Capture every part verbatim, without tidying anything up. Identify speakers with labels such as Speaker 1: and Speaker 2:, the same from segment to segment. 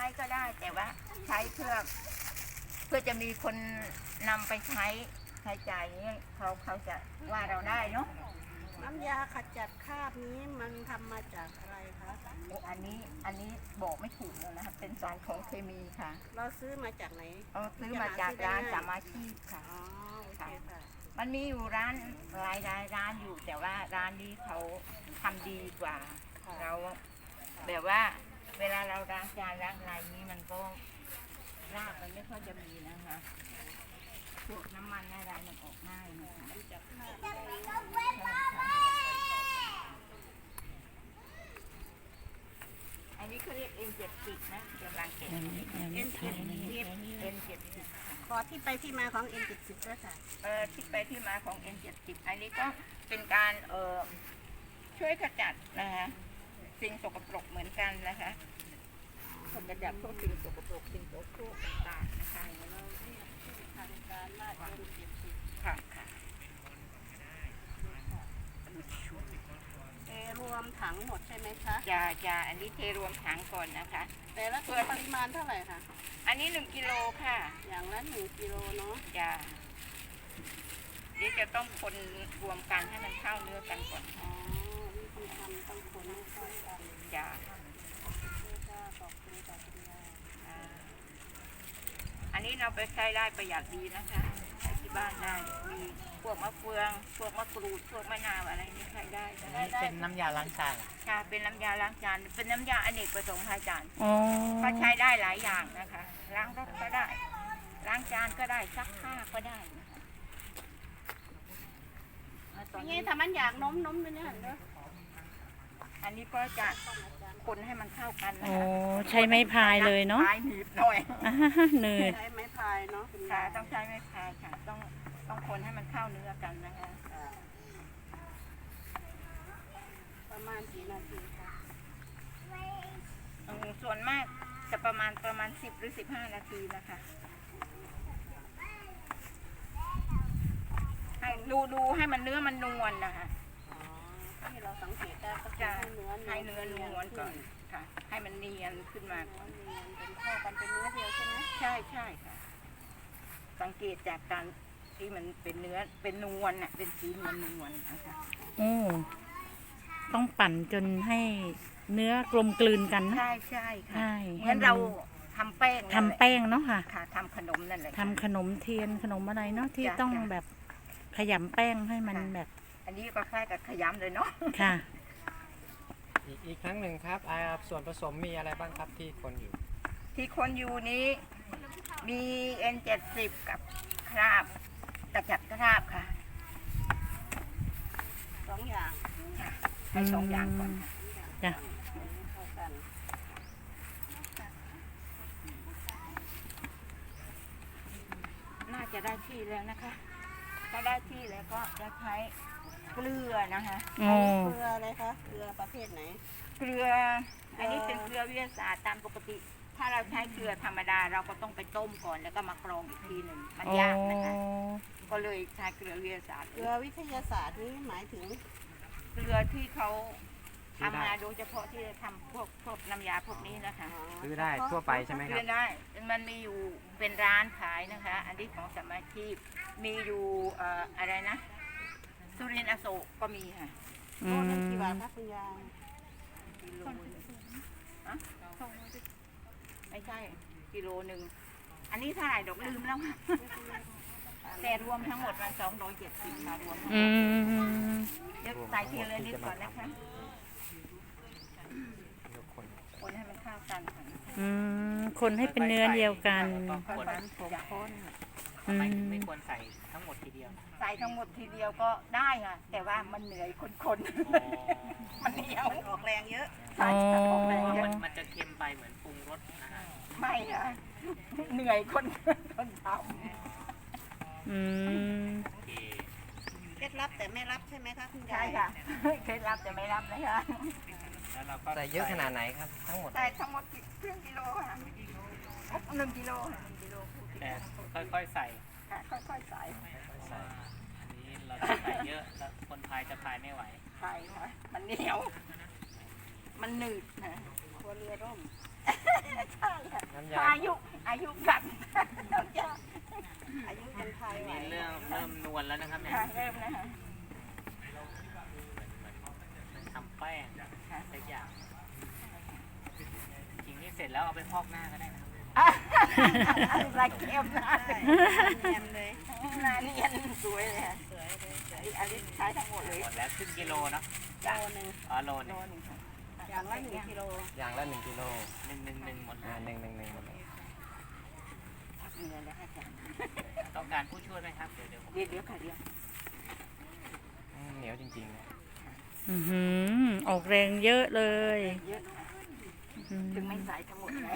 Speaker 1: ก็ได้แต่ว่าใช้เพื่อเพื่อจะมีคนนำไปใช้ใช้จ่ายนี้เขาเขาจะว่าเราได้เนาะ
Speaker 2: น้ำยาขจัดคราบนี้มันทำมาจากอะไรคะ
Speaker 1: อันนี้อันนี้บอกไม่ถูกเลยนะคะเป็นสารของเคมีค่ะ
Speaker 2: เราซื้อมาจากไหน
Speaker 1: เอาซื้อมาจากร้านสามาชีพค่ะ
Speaker 2: อ๋อโอเคค่ะ
Speaker 1: มันมีอยู่ร้านหลายรายร้านอยู่แต่ว่าร้านนี้เขาทำดีกว่า เราแบบว่าเวลาเราล้างจานล้างอะไรนี้มันก็รากมันไม่ค่อยจะมีนะคะพวกน้ำมันอะไรมันออกง่ายนะคะอันนี้เขาเรียกเอ็นเจ็ดสิบนะกำลังเก็บ
Speaker 3: ยังไม่ยังไม่ถ่ายนะ
Speaker 1: เอ็นเจ็ดสิบ
Speaker 2: ขอที่ไปที่มาของ เอ็น เจ็ดสิบ ด้วยค่ะ
Speaker 1: เอ่อที่ไปที่มาของ เอ็น เจ็ดสิบ อันนี้ก็เป็นการเอ่อช่วยขจัดนะคะสิ่งสกปรกเหมือนกันนะคะขจัดพวกสิ่งสกปรกสิ่งโสโครกต่างๆนะคะค่ะค่ะ
Speaker 2: เอรวมถังหมดใช่ไหมคะ
Speaker 1: จะจะอันนี้เทรวมถังก่อนนะคะ
Speaker 2: แต่ละตัวปริมาณเท่าไหร่คะ
Speaker 1: อันนี้หนึ่งกิโลค่ะ
Speaker 2: อย่างละหนึ่งกิโลเนาะ
Speaker 1: จะเดี๋ยวจะต้องคนรวมกันให้มันเข้าเนื้อกันก่อน
Speaker 2: อ๋อวิธีทำต้องคนให้เข้ากัน
Speaker 1: จะ
Speaker 2: เพื่อจะขอบคุณกับคุณยาย
Speaker 1: อ่าอันนี้เราไปใช้ได้ประหยัดดีนะคะใช้ที่บ้านได้มีพวกมะเฟืองพวกมะกรูดพวกมะนาวอะไรนี่ใช้ได้
Speaker 4: นี่เป็นน้ำยาล้างจาน
Speaker 1: ค่ะเป็นน้ำยาล้างจานเป็นน้ำยาอเนกประสงค์ค่ะอาจารย์
Speaker 3: อ๋อ
Speaker 1: ก็ใช้ได้หลายอย่างนะคะล้างรถก็ได้ล้างจานก็ได้ซักผ้าก็ได้นะคะแล้วตอน
Speaker 2: นี่
Speaker 1: นี้
Speaker 2: ทำมันอยากน้มน้มด้วยเนี่ยเด้อ
Speaker 1: อันนี้ก็จะคนให้มันเข้ากันนะ
Speaker 3: โอ้
Speaker 1: คะ
Speaker 3: ใช้ไม้พายเลยเนาะ
Speaker 1: พายหนีบหน่อย
Speaker 3: อ่าเหนื่อย
Speaker 2: ใช้ไม้พายเนาะคุณ
Speaker 1: ค่ะ
Speaker 2: ยาย
Speaker 1: ต้องใช้ไม้พายค่ะต้องต้องคนให้มันเข้าเนื้อกันนะคะ
Speaker 2: ประมาณกี่นาทีคะ
Speaker 1: อืมส่วนมากจะประมาณประมาณสิบหรือสิบห้านาทีนะคะให้ดูดูให้มันเนื้อมันนวลนะคะ
Speaker 2: อ๋อที่เราสังเกตได้ก็
Speaker 1: จะ
Speaker 2: คือให้เนื้อ
Speaker 1: ให้เนื้อนวลก่อนค่ะ ให้มันเนียนขึ้นมาก่อน
Speaker 2: เนื้อเนียนเป็นเข้ากันเป็นเนื้อเดียวใช่ไหม
Speaker 1: ใช่ใช่ค่ะ สังเกตจากการที่มันเป็นเนื้อเป็นนวลน่ะเป็นสีนวลนวลนะคะ
Speaker 3: โอ้ต้องปั่นจนให้เนื้อกลมกลืนกันนะ
Speaker 1: ใช่ใช่ค่ะ
Speaker 3: ใช่
Speaker 1: เหมือนเราทำแป้งนั่นแหละ
Speaker 3: ทำแป้งเนาะค่ะ
Speaker 1: ค่ะทำขนมนั่นแหละค่ะ
Speaker 3: ทำขนมเทียนขนมอะไรเนาะที่
Speaker 1: จ้ะ
Speaker 3: ต้อง
Speaker 1: จ้ะ
Speaker 3: แบบขยำแป้งให้มัน
Speaker 1: ค่ะ
Speaker 3: แบบ
Speaker 1: อันนี้ก็คล้ายกับขยำเลยเนาะ
Speaker 3: ค่ะ
Speaker 4: อีกอีกครั้งหนึ่งครับอ่าส่วนผสมมีอะไรบ้างครับที่คนอยู่
Speaker 1: ที่คนอยู่นี้มี เอ็น เจ็ดสิบ กับคราบกระจัดคราบค่ะ
Speaker 2: สองอย่าง
Speaker 1: ให้สองอย่างก่อนค่ะ
Speaker 3: จ้ะ
Speaker 2: เข้ากัน
Speaker 1: น่าจะได้ที่แล้วนะคะ ถ้าได้ที่แล้วก็จะใช้เกลือนะคะ
Speaker 3: โอ้
Speaker 2: เกลืออะไรคะเกลือประเภทไหน
Speaker 1: เกลือ อันนี้เป็นเกลือวิทยาศาสตร์ตามปกติ ถ้าเราใช้เกลือธรรมดาเราก็ต้องไปต้มก่อนแล้วก็มากรองอีกทีหนึ่งมัน
Speaker 3: โอ้
Speaker 1: ยากนะคะ ก็เลยใช้เกลือวิทยาศาสตร์
Speaker 2: เกลือวิทยาศาสตร์นี่หมายถึง
Speaker 1: เกลือที่เขาทำมาโดยเฉพาะที่จะทำพวกพวกน้ำยาพวกนี้นะคะ
Speaker 4: ซื้อได้ทั่วไปใช่ไหมค
Speaker 1: เก
Speaker 4: รั
Speaker 1: ลื
Speaker 4: บ
Speaker 1: อได้ มันมีอยู่เป็นร้านขายนะคะ อันนี้ของสมาชิกมีอยู่เอ่ออะไรนะสุรินทร์อโศกก็มีค่ะ
Speaker 3: อื
Speaker 2: โล
Speaker 3: ม
Speaker 2: นึงกี่บาทคะคุณยาย
Speaker 1: กิโลหนึ่งอะไม่ใช่กิโลหนึ่งอันนี้เท่าไหร่ดอกลืมแล้ว แต่รวมทั้งหมดมันสองร้อยเจ็ดสิบค่ะรวมทั้งห
Speaker 3: อื
Speaker 1: มด
Speaker 3: ม
Speaker 1: เดี๋ยวใส่ทีละนิดก่อนนะคะ
Speaker 4: ทุกคน
Speaker 1: คนให้มันเข้ากันค่ะ
Speaker 3: อืมคนให้เป็นเนื้อเดียวกัน
Speaker 1: ค่อยๆผมคน
Speaker 3: อื
Speaker 4: ทำไม
Speaker 3: ม
Speaker 4: ถึงไม่ควรใส่ทั้งหมดทีเดียว
Speaker 1: ใส่ทั้งหมดทีเดียวก็ได้ค่ะ แต่ว่ามันเหนื่อยคนๆ มันเหนียว
Speaker 2: มันออกแรงเยอะ
Speaker 1: ใช่ค่ะออกแรงเยอะ
Speaker 4: มันมันจะเค็มไปเหมือนปรุงรสนะฮะ
Speaker 1: ไม่ค่ะ เหนื่อยคนคนท
Speaker 3: อืม
Speaker 4: โอเค
Speaker 2: เคล็ดลับแต่ไม่รับใช่ไหมคะคุณ
Speaker 1: ำ
Speaker 2: ยา
Speaker 1: ใช่
Speaker 2: ย
Speaker 1: ค่ะเคล็ดลับจะไม่รับนะคะ
Speaker 4: แล้วเราก็ใส่เยอะขนาดไหนครับ ทั้งหมด
Speaker 1: ใส่ทั้งหมดครึ่งกิโลค่ะหนึ่งกิโลค่ะหนึ่งกิโล
Speaker 4: แต่ค่อยๆใส่
Speaker 1: ค่ะค่อยๆใส่
Speaker 4: ใส่อันนี้เราจะใส่เยอะแล้วคนพายจะพายไม่ไหว
Speaker 1: ใช่ค่ะ มันเหนียว มันหนืดนะ
Speaker 2: หัวเรือร่ม
Speaker 1: ใช่ค่ะอายุกลับ
Speaker 2: อายุยังไทย
Speaker 4: อัน
Speaker 2: ไหว
Speaker 4: นี้เริ่มเริ่มนวลแล้วนะครับเนี่ย
Speaker 1: ค่ะเริ่มแล้วค่ะ
Speaker 4: มันทำแป้งสักอย่างจริงๆนี่เสร็จแล้วเอาไปพอกหน้าก็ได้นะครับ
Speaker 1: ลายเข้มหน้า
Speaker 2: ใช่เนียนเลย
Speaker 1: หน้าเนียนสวยเลยค่ะ
Speaker 2: สวยเลยสวย
Speaker 1: อันนี้ใช้ทั้งหมดเลย
Speaker 4: หมดแล้วครึ่งกิโลเนาะ
Speaker 2: โลนึง
Speaker 4: อ๋อโลหนึ
Speaker 1: โล
Speaker 4: ง
Speaker 1: หนึ่งค่ะ
Speaker 2: อย่างละหนึ่งกิโล
Speaker 4: อย่างละหนึ่งกิโลหนึ่งหนึ่งหนึ่งหมดอ่าหนึ่งหนึ่งหนึ่งหมดเลย
Speaker 1: เหนื่อยแล้วค่ะอาจารย์
Speaker 4: ต้องการผู้ช่วยไหมครับเดี๋ยวเดี๋ยวผม
Speaker 1: เดี๋ยวเดี๋ยวค่ะเดี๋ยว
Speaker 4: อืมเหนียวจริงๆนะ
Speaker 3: อือหือออกแรงเยอะเลย
Speaker 1: เยอะ
Speaker 3: อืม
Speaker 1: ถึงไม่ใส่ทั้งหมดเลย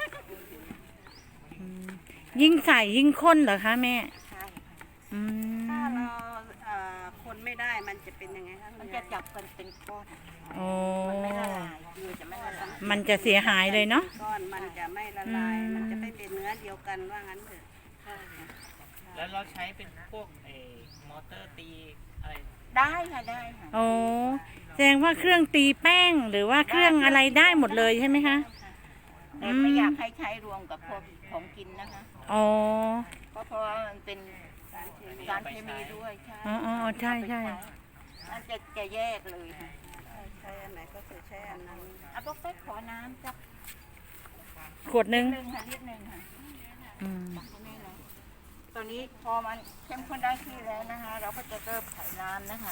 Speaker 3: อืมยิ่งใส่ยิ่งข้นเหรอคะแม่
Speaker 1: ใช่ค่ะ
Speaker 3: อืม
Speaker 2: ถ้าเราเอ่อคนไม่ได้มันจะเป็นยังไงคะ
Speaker 1: มันจะจับกันเป็นก้อน
Speaker 3: โอ้
Speaker 1: มันไม่ละลายคือจะไม่ละลาย
Speaker 3: มันจะเสียหายเลยเนาะ
Speaker 2: ก้อนมันจะไม่ละลาย
Speaker 3: อืม
Speaker 2: มันจะไม่เป็นเนื้อเดียวกันว่างั้นเถอะ
Speaker 1: ใช่ค่ะ
Speaker 4: แล้วเราใช้เป็นพวกเออมอเตอร์ตีอะไร
Speaker 1: ได้ค่ะได้ค่ะ
Speaker 3: โอ้แสดงว่าเครื่องตีแป้งหรือว่าเครื่องอะไรได้หมดเลยใช่ไหมคะ
Speaker 1: แต่ไม่อยากให้ใช้รวมกับพวกของกินนะคะ
Speaker 3: อ๋อ
Speaker 1: เพราะเพราะว่ามันเป็นสารเคมีสารเคมีด้วยใช่
Speaker 3: อ๋ออ๋อใช่ใช่
Speaker 1: มันจะจะแยกเลยค่ะ
Speaker 2: ใช้อันไหนก็คือใช้อันนั้น
Speaker 1: เอาพวกเป๊กขอน้ำสัก
Speaker 3: ขวดหนึง
Speaker 1: หนึ่งค่ะนิดหนึ่งค่ะ
Speaker 3: อืม
Speaker 1: ตักให้แม่เลยตอนนี้พอมันเข้มข้นได้ที่แล้วนะคะ เราก็จะเริ่มใส่น้ำนะคะ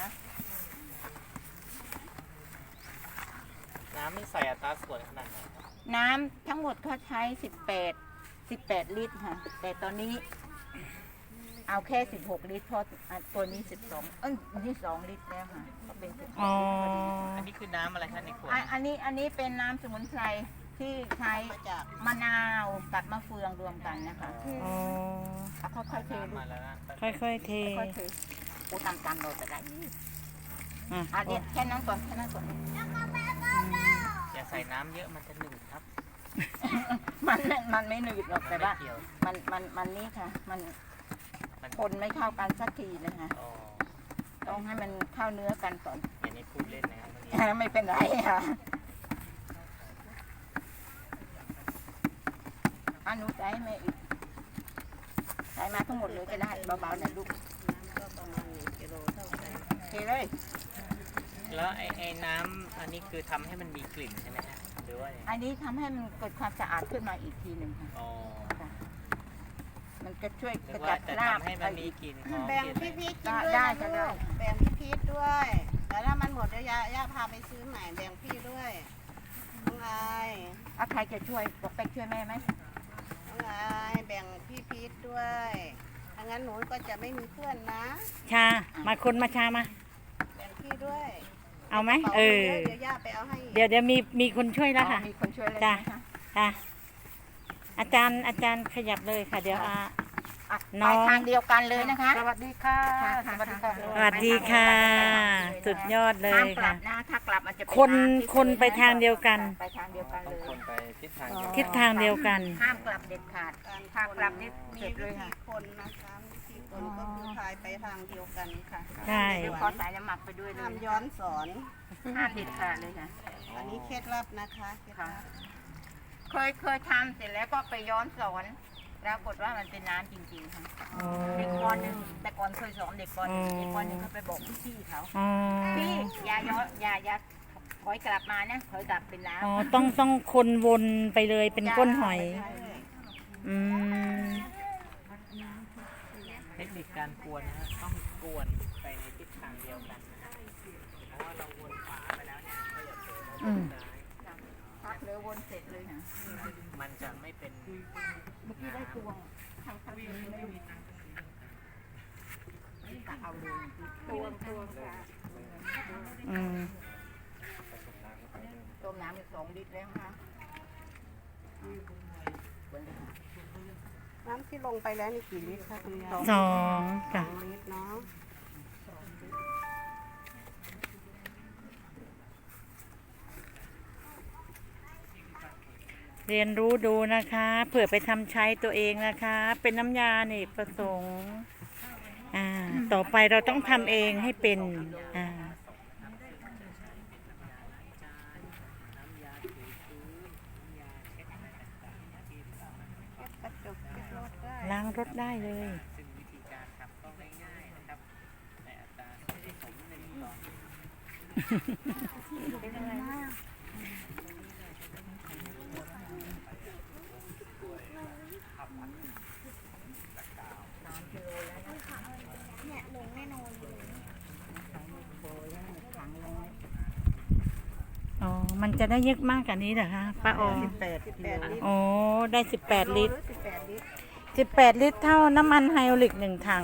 Speaker 4: น้ำนี่ใส่อัตราส่วนขนาดไหนครับ
Speaker 1: น้ำทั้งหมดเขาใช้สิบแปดสิบแปดลิตรค่ะ แต่ตอนนี้ เอาแค่สิบหกลิตรเพราะอ่ะตัวนี้สิบสองเอ้ยนี่สองลิตรแล้วค่ะก็เป็นสิบ
Speaker 3: อ๋อ
Speaker 4: อันนี้คือน้ำอะไรครับในขวด
Speaker 1: อ่ะอันนี้อันนี้เป็นน้ำสมุนไพรที่ใช้
Speaker 2: มาจาก
Speaker 1: มะนาวกับมะเฟืองรวมกันนะคะ
Speaker 3: อ๋อ
Speaker 1: เอาค่อยๆเท
Speaker 4: น้ำ
Speaker 1: ลู
Speaker 4: มาก แล้วนะ
Speaker 3: ค่อยๆเท
Speaker 1: ค่อยๆเทโอ้ตามตามเราจะได้
Speaker 3: อ่ะ
Speaker 1: อ่ะเนี่ยแค่นั้นก่อนแค่นั้นก่อน
Speaker 4: อย่าใส่น้ำเยอะมันจะหนืดครับ
Speaker 1: มันมันไม่หนืดหรอกแต่ว่า
Speaker 4: ไม่เกี่ยว
Speaker 1: มันมันมันนี่ค่ะ มัน
Speaker 4: มัน
Speaker 1: คนไม่เข้ากันสักทีนะคะ
Speaker 4: อ๋อ
Speaker 1: ต้องให้มันเข้าเนื้อกันก่อน
Speaker 4: อย่างนี้พูดเล่นนะครับเมื่อกี้
Speaker 1: ไม่เป็นไรค่ะอันนู้นใส่ให้แม่อีกใส่มาทั้งหมดเลยก็ได้เบาๆนะลูก
Speaker 2: ก็ประมาณหนึ่งกิโลเท่ากัน
Speaker 1: เทเลย
Speaker 4: แล้วไอ้ไอ้น้ำอันนี้คือทำให้มันมีกลิ่นใช่ไหมฮะหรือว่ายังไง
Speaker 1: อันนี้ทำให้มันเกิดความสะอาดขึ้นมาอีกทีหนึ่งค่ะ
Speaker 4: อ๋อ
Speaker 1: มันจะช่วย
Speaker 4: หรื
Speaker 1: ก
Speaker 4: อ
Speaker 1: ระ
Speaker 4: ว่า
Speaker 1: จัด
Speaker 4: จะ
Speaker 1: คราบ
Speaker 4: ทำให้มันมีกลิ่นหอม
Speaker 2: แบ่ง
Speaker 4: กลิ่น
Speaker 2: พี่
Speaker 4: อะไร
Speaker 2: พีชกินด้วย
Speaker 1: ได้
Speaker 2: นะ
Speaker 1: ค่ะได้
Speaker 2: ลูกแบ่งพี่พีชด้วย แต่ถ้ามันหมดเดี๋ยวย่าย่าพาไปซื้อใหม่แบ่งพี่ด้วยน้องอาย
Speaker 1: อ่ะใครจะช่วยบอกไปช่วยแม่ไหม
Speaker 2: น้องอายแบ่งพี่พีชด้วยถ้างั้นหนูก็จะไม่มีเพื่อนนะ
Speaker 3: ชา มาคนมาชามา
Speaker 2: แบ่งพี่ด้วย
Speaker 3: เอาไหม
Speaker 2: ป๋า
Speaker 3: เออ
Speaker 2: เยอะเดี๋ยวย่าไปเอาให้อีก
Speaker 3: เดี๋ยวเดี๋ยวมีมีคนช่วยแล้ว
Speaker 1: อ๋อ
Speaker 3: ค่ะ
Speaker 1: มีคนช่วยเลย
Speaker 3: จ้ะ
Speaker 1: นะคะ
Speaker 3: ค่ะ อาจารย์อาจารย์ขยับเลยค่ะ เดี๋ยวอา
Speaker 1: อ่ะ
Speaker 3: น้
Speaker 1: ไป
Speaker 3: อง
Speaker 1: ทางเดียวกันเลยนะคะ
Speaker 3: สวัสดีค่ะ
Speaker 1: ค่ะค่ะสวัสดีค่ะ
Speaker 3: สวัสดีค่ะ
Speaker 1: ไปทางเดียวกันเลย
Speaker 3: สุดยอดเล
Speaker 1: ห้าม
Speaker 3: ย
Speaker 1: กลั
Speaker 3: ค่ะ
Speaker 1: บนะถ้ากลับมันจะเป็
Speaker 3: คน
Speaker 1: ำที่
Speaker 3: คนไปทางเดียวกัน
Speaker 1: ไปทางเดียวกัน
Speaker 4: ต้
Speaker 1: เล
Speaker 4: องค
Speaker 1: ย
Speaker 4: นไปทิศทางเดียว
Speaker 3: ทิศทางเดียวกัน
Speaker 1: ห้ามกลับเด็ดขาด
Speaker 2: การ
Speaker 1: ถ้ากลับนี่
Speaker 2: มี
Speaker 1: เสร็จเลย
Speaker 2: วิธี
Speaker 1: ค่ะ
Speaker 2: คนนะคะวิธีคนก็คือพายไปทางเดียวกันค่ะ
Speaker 3: ใช่
Speaker 1: เดี๋ยวขอสายน้ำหมักไปด้วยเล
Speaker 2: ห้าม
Speaker 1: ย
Speaker 2: ย้อนสอน
Speaker 1: ห้ามเด็ดขาดเลยค่ะ
Speaker 2: อันนี้เคล็ดลับนะคะเคล็ดลับ
Speaker 1: เคยเคยทำเสร็จแล้วก็ไปย้อนสอนปรากฏว่ามันเป็นน้ำจริงๆค่ะ
Speaker 3: อ๋อ
Speaker 1: เด็กปหนึ่งแต่ก่อนเคยสอนเด็กปหนึ่งเด็กปหนึ่งเขาไปบอกพี่ๆเขา
Speaker 3: อ๋อ
Speaker 1: พี่อย่าย้อนอย่าอย่าถอยกลับมานะถอยกลับเป็นน้ำ
Speaker 3: อ๋อต้องต้องคนวนไปเลยเป็นก้นหอย
Speaker 1: ใช่
Speaker 3: อืม
Speaker 4: เทคนิคการกวนนะฮะต้องกวนไปในทิศทางเดียวกันนะฮะเพราะว่าเราวนขวาไปแล้วเนี่ยก็อย่าเผลอมา
Speaker 3: อืม
Speaker 4: ซ้าย
Speaker 1: พักเหลือวนเสร็จเลยค่ะ
Speaker 4: มันจะไม่เป็น
Speaker 1: เมื่อกี้ได้ตวงทางพักนี้ไม่มีตักเอาเลยตวงตวงค่ะ
Speaker 3: อืม
Speaker 1: ต้มน้ำอีกสองลิตรแล้วค่ะ
Speaker 2: น้ำที่ลงไปแล้วนี่กี่ลิตรคะคุณยาย
Speaker 3: สองจ้ะ
Speaker 2: สองลิตรเนาะ
Speaker 3: เรียนรู้ดูนะคะ เผื่อไปทำใช้ตัวเองนะคะ เป็นน้ำยาเนกประสงค์อ่า ต่อไปเราต้องทำเองให้เป็น อ่า
Speaker 2: กระ
Speaker 3: รถได้เลย
Speaker 4: ซึ่งวิธีการทำก็ง่ายๆนะครับแต่อัตราผสมหนึ่งต่อ
Speaker 1: เป็นอะไรนะ
Speaker 2: เนี่ยลงแน่นอนเลย
Speaker 3: อ๋อ มันจะได้เยอะมากกว่านี้เหรอคะป้าออ
Speaker 2: สิบแปดสิบแปดลิตร
Speaker 3: อ๋อ ได้สิบแปดลิตร
Speaker 2: สิบแปดลิตร
Speaker 3: สิบแปดลิตรเท่าน้ำมันไฮโอลิกหนึ่งถัง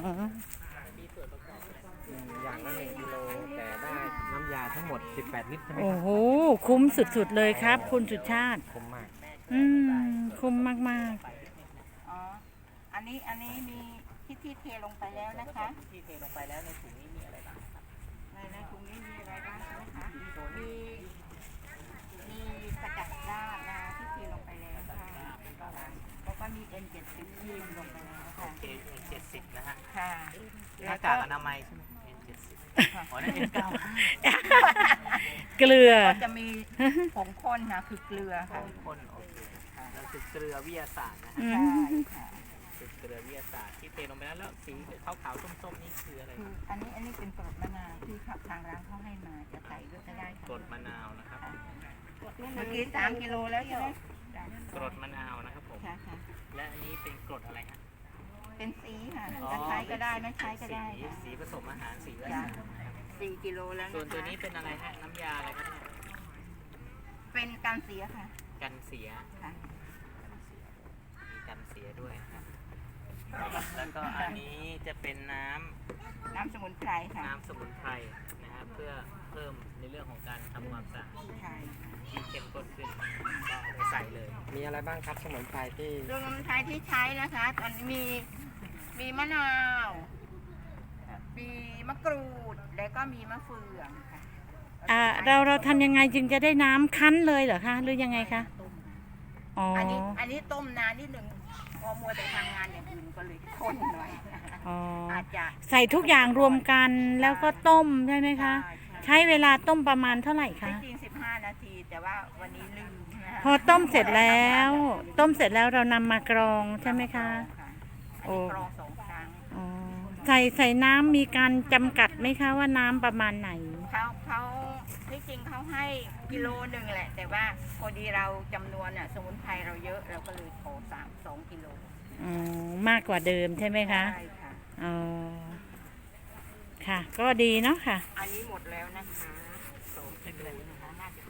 Speaker 5: อย่างละหนึ่งกิโลแต่ได้น้ำยาทั้งหมด สิบแปด ลิตรใช่ไหม
Speaker 3: โอ้
Speaker 5: ครับ
Speaker 3: โห คุ้มสุดๆเลยครับ คุณสุชาติ
Speaker 5: คุ้มมาก
Speaker 3: อืม คุ้มมาก
Speaker 1: อ๋อ อันนี้อันนี้มีที่ที่เทลงไปแล้วนะคะ
Speaker 4: ที่เทลงไปแล้วในถุงนี้มีอะไรบ้างครับ
Speaker 1: ในในถุงนี้มีอะไรบ้างนะคะ มีมีกระจัดด้านนะที่เทลงไปแล้วค่ะแล้วก็มี เอ็น เจ็ดสิบ ที่ลงไปแล้ว
Speaker 4: โอ
Speaker 1: ค่ะ
Speaker 4: เค เอ็น เจ็ดสิบ นะฮะ
Speaker 1: ค่ะ
Speaker 4: หน้ากากอนามัยใช่ไหม เอ็น เจ็ดสิบ อ๋อนั่น เอ็น เก้า
Speaker 3: ๆ เกลือ
Speaker 1: ก็จะมีผงข้นนะคือเกลือค่ะ
Speaker 4: ข้นโอเคแล้วคือเกลือวิทยาศาสตร์นะฮะ
Speaker 3: อื
Speaker 1: ใช่
Speaker 3: ม
Speaker 1: ค่ะ
Speaker 4: คือเกลือวิทยาศาสตร์ที่เทลงไปแล้วแล้วสีขาวๆส้มๆนี่คืออะไร
Speaker 1: คืออันนี้อันนี้เป็นกรดมะนาวที่ขับทางร้านเขาให้มาจะใส่ด้วยก็ได้ค่ะ
Speaker 4: กรดมะนาวนะครับ
Speaker 1: เมื่อกี้สามกิโลแล้วใช่ไหม
Speaker 4: กรดมะนาวนะครับผม
Speaker 1: ค่ะค่ะ
Speaker 4: และอันนี้เป็นกรดอะไรฮะ
Speaker 1: เป็นสีค่ะจะใช้ก็ได้ไม่ใช้ก็ได้
Speaker 4: สี
Speaker 1: ค่ะ
Speaker 4: สีผสมอาหารสีอะไร
Speaker 1: จ้ะสี่กิโลแล้ว
Speaker 4: ส่วน
Speaker 1: นะ
Speaker 4: ตัว
Speaker 1: คะ
Speaker 4: นี้เป็นอะไรฮะ น้ำยาอะไรครับเนี่ย
Speaker 1: เป็นการเสียค่ะ
Speaker 4: กันเสีย
Speaker 1: ค่ะ
Speaker 4: มีกันเสียด้วยนะครับ แล้วก็อันนี้จะเป็นน้ำ
Speaker 1: น้ำสมุนไพรค่ะ
Speaker 4: น้ำสมุนไพรนะฮะเพื่อเพิ่มในเรื่องของการทำความสะอาด
Speaker 1: ใช่
Speaker 4: ที่เข้มข้นขึ้นก็เอาไปใส่เลย
Speaker 5: มีอะไรบ้างครับสมุนไพรที่
Speaker 1: สมุนไพรที่ใช้นะคะ ตอนนี้มีมีมะนาว มีมะกรูด แล้วก็มีมะเฟืองค่ะ
Speaker 3: อ่า เราเราทำยังไงจึงจะได้น้ำคั้นเลยเหรอคะ หรือยังไงคะ อ๋อ
Speaker 1: อันนี้อันนี้ต้มนานนิดหนึ่งพอมัวแต่ทำงานอย่างอื่นก็เลยข้นหน่อย
Speaker 3: อ๋อ
Speaker 1: อาจจะ
Speaker 3: ใส่ทุกอย่างรวมกันแล้วก็ต้มใช่ไหมคะ
Speaker 1: ใช่ใช่
Speaker 3: ใช้เวลาต้มประมาณเท่าไหร่คะ
Speaker 1: ที่จริงสิบห้านาที แต่ว่าวันนี้ลืมนะคะ
Speaker 3: พอต้มเสร็จแล้ว ต้มเสร็จแล้วเรานำมากรองใช่ไหมคะ
Speaker 1: ค่ะ
Speaker 3: โอ้
Speaker 1: อันนี้กรองสองครั้ง
Speaker 3: อ๋อ ใส่ใส่น้ำมีการจำกัดไหมคะว่าน้ำประมาณไหน
Speaker 1: เขาเขาที่จริงเขาให้กิโลหนึ่งแหละ แต่ว่าพอดีเราจำนวนอ่ะสมุนไพรเราเยอะเราก็เลยขอสามสองกิโล
Speaker 3: อ๋อ มากกว่าเดิมใช่ไหมคะ
Speaker 1: ใช่ค่ะ
Speaker 3: อ๋อ ค่ะ ก็ดีเนาะค่ะ
Speaker 1: อันนี้หมดแล้วนะคะสองกิโลนะคะน่าจะ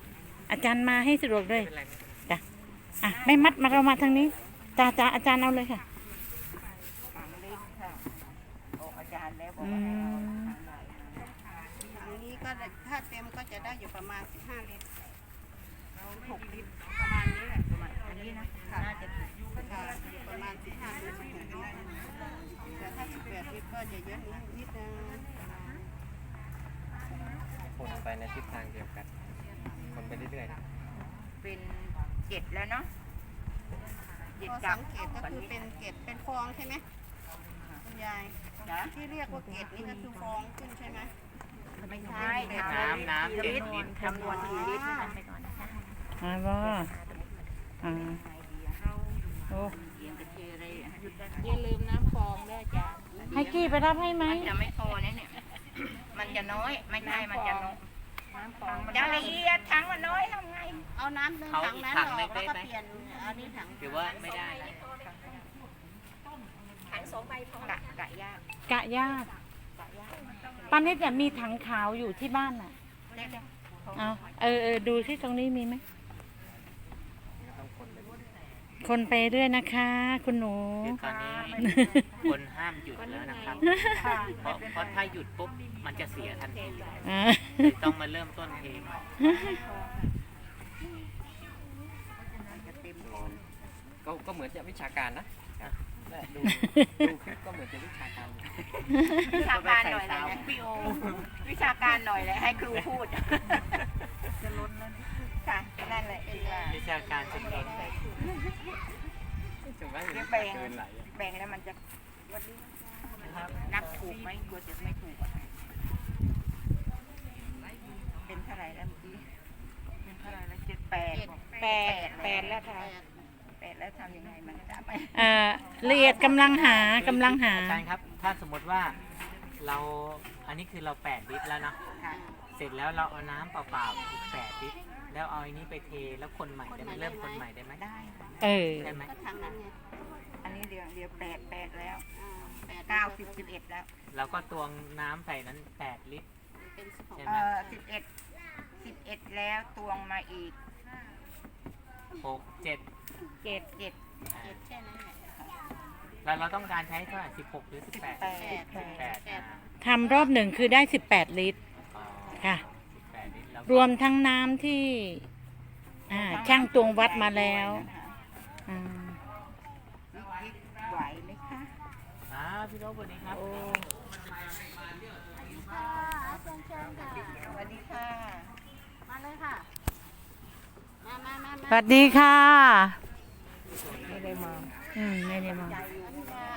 Speaker 3: อาจารย์มาให้สะดวกด้วย
Speaker 4: เป็นไรไหม
Speaker 3: จ้ะ อ่ะ ไม่มัดมาเรามาทางนี้จ้าจ้าอาจารย์เอาเลยค่ะ
Speaker 1: ถังเล็กค่ะโอ้อาจารย์แล้วบอก
Speaker 3: อื
Speaker 1: ว่าให้เอา
Speaker 3: ม
Speaker 1: ถังใหญ่มา
Speaker 2: อันนี้ก็ถ้าเต็มก็จะได้อยู่ประมาณสิบห้าลิตรหกลิตรประมาณนี้แหละประมาณ
Speaker 1: อันนี้นะน่าจะถูก
Speaker 2: ค่ะประมาณสิบห้าลิตรหกลิตรแต่ถ้าสิบแปดลิตรก็จะเยอะนิดนิดนึง
Speaker 5: คนไปในทิศทางเดียวกัน คนไปเรื่อยๆนะ
Speaker 1: เป็นเจ็ดแล้วเนาะเจ็ด
Speaker 2: พอ
Speaker 1: กั
Speaker 2: สั
Speaker 1: บ
Speaker 2: งเกตก็คือเป็นเกล็ดเป็นฟองใช่ไหมคุณยาย
Speaker 1: นะ
Speaker 2: ที่เรียกว่าเกล็ดนี่ก็คือฟองขึ้นใช่ไหม
Speaker 1: ไม่ใช่
Speaker 4: น้ำน้ำ
Speaker 1: กี่
Speaker 4: เจ็ด
Speaker 1: ลิตร
Speaker 4: ลิตร
Speaker 1: จำนวนกี่ลิตรทำไปก่อนนะคะ
Speaker 3: มาบ่อ่าโอ้
Speaker 1: เอียงกระเทยอะไรหยุดได้ไหม
Speaker 6: อย่าลืมน้ำฟองด้วยจ้ะ
Speaker 3: ให้กี้ไปรับให้ไหม
Speaker 1: มันจะไม่พอนะเนี่ย มันจะน้อย ไม่ใช่ มันจะน้อย
Speaker 6: น้ำฟอง
Speaker 1: จะละเอียดถังมันน้อยทำไง
Speaker 2: เอาน้ำหนึ่ง
Speaker 4: เขา
Speaker 2: ถัง
Speaker 4: อีก
Speaker 2: นั้น
Speaker 4: ถัง
Speaker 2: อ
Speaker 4: หนึ่
Speaker 2: อก
Speaker 4: ง
Speaker 2: แล้ว
Speaker 4: ได้
Speaker 2: ก็
Speaker 4: ไหม
Speaker 2: เปลี่ยนเอานี่ถัง
Speaker 4: หรือว่าไม่ได้นะ
Speaker 1: ถังสองใบพอกะกะยาก
Speaker 3: กะยาก
Speaker 1: กะยาก
Speaker 3: ป้านิดเนี่ยมีถังขาวอยู่ที่บ้านน่ะ
Speaker 1: เดี๋ยวเดี๋ยว
Speaker 3: เอาเออเออดูที่ตรงนี้มีไหม
Speaker 5: ต้องคนไป
Speaker 3: คนไปเรื่อยนะคะ คุณหนู
Speaker 4: คือตอนนี้คนห้ามหยุดแล้วนะครับ เพราะเพราะถ้าหยุดปุ๊บมันจะเสียทันที
Speaker 3: อ่า
Speaker 4: เลยต้องมาเริ่มต้นเทใหม่
Speaker 1: จะเต็มโคน
Speaker 5: ก็ก็เหมือนจะวิชาการนะและดูดูคลิปก็เหมือนจะวิชาการอยู่
Speaker 1: วิชาการหน่อยเลยนะพี่โอวิชาการหน่อยเลยให้ครูพูด จะล้นแล้วค่ะ นั่นแหละที่ว่า
Speaker 4: วิชาการจริง
Speaker 5: ถึงว่า
Speaker 1: เดี๋ยวแบ่ง
Speaker 5: เกินไหลอะ
Speaker 1: แบ่งแล้วมันจะนับถูกไหมกลัวจะไม่ถูกอะเป็นเท่าไหร่แล้วเมื่อกี้เป็นเท่าไหร่แล้วเจ็ดแปด
Speaker 6: แปดแปดแล้วค่ะ
Speaker 2: แปด
Speaker 1: แปดแล้วทำยังไงมันจะไป
Speaker 3: เอ่อละเอียดกำลังหากำลังหา
Speaker 4: อาจารย์ครับ ถ้าสมมติว่าเราอันนี้คือเราแปดลิตรแล้วเนาะ
Speaker 1: ค่ะ
Speaker 4: เสร็จแล้วเราเอาน้ำเปล่าๆอีกแปดลิตรแล้วเอาอันนี้ไปเทแล้วคนใหม่ได้ไหมเริ่มคนใหม่ได้ไหม
Speaker 1: ได้ค่ะ
Speaker 3: เออ
Speaker 4: ได้ไหม
Speaker 2: ก็ทางนั้นไง
Speaker 1: อันนี้เดี๋ยวเดี๋ยวแปดแปดแล้ว
Speaker 2: อ่าแปด
Speaker 1: เก้าสิบสิบเอ็ดแล้ว
Speaker 4: เราก็ตวงน้ำใส่นั้นแปดลิตร
Speaker 2: เป็นสิบหก
Speaker 4: ใช่
Speaker 1: เอ
Speaker 4: ไหม
Speaker 1: อสิบเอ็ดสิบเอ็ดแล้วตวงมาอีก
Speaker 4: หกเจ็ด
Speaker 1: เจ็ดเจ็ด
Speaker 4: อ่า
Speaker 2: เจ็ดแค่นั้นแหละ
Speaker 4: แล้วเราต้องการใช้เท่าไหร่สิบหกหรือสิบแปด
Speaker 1: แปด
Speaker 2: แปด
Speaker 1: แปด
Speaker 4: แปด
Speaker 2: แปด
Speaker 3: ทำรอบหนึ่งคือได้สิบแปดลิตร
Speaker 4: อ๋อ
Speaker 3: ค่ะ
Speaker 4: สิบแปดลิตรแล้ว
Speaker 3: รวมทั้งน้ำที่ อ่า ช่างตวงวัดมาแล้วอ่า
Speaker 1: วิกไหวไหมคะ
Speaker 4: อ่าพี่โรบสวัสดีครับ
Speaker 1: โอ้
Speaker 2: ค่ะเชิญเชิญค่ะ
Speaker 1: สวัสดีค่ะ
Speaker 2: มาเลยค่ะ มามามา
Speaker 3: สวัสดีค่ะ
Speaker 1: ไม่ได้มอง
Speaker 3: อืมไม่ได้มอง
Speaker 2: มา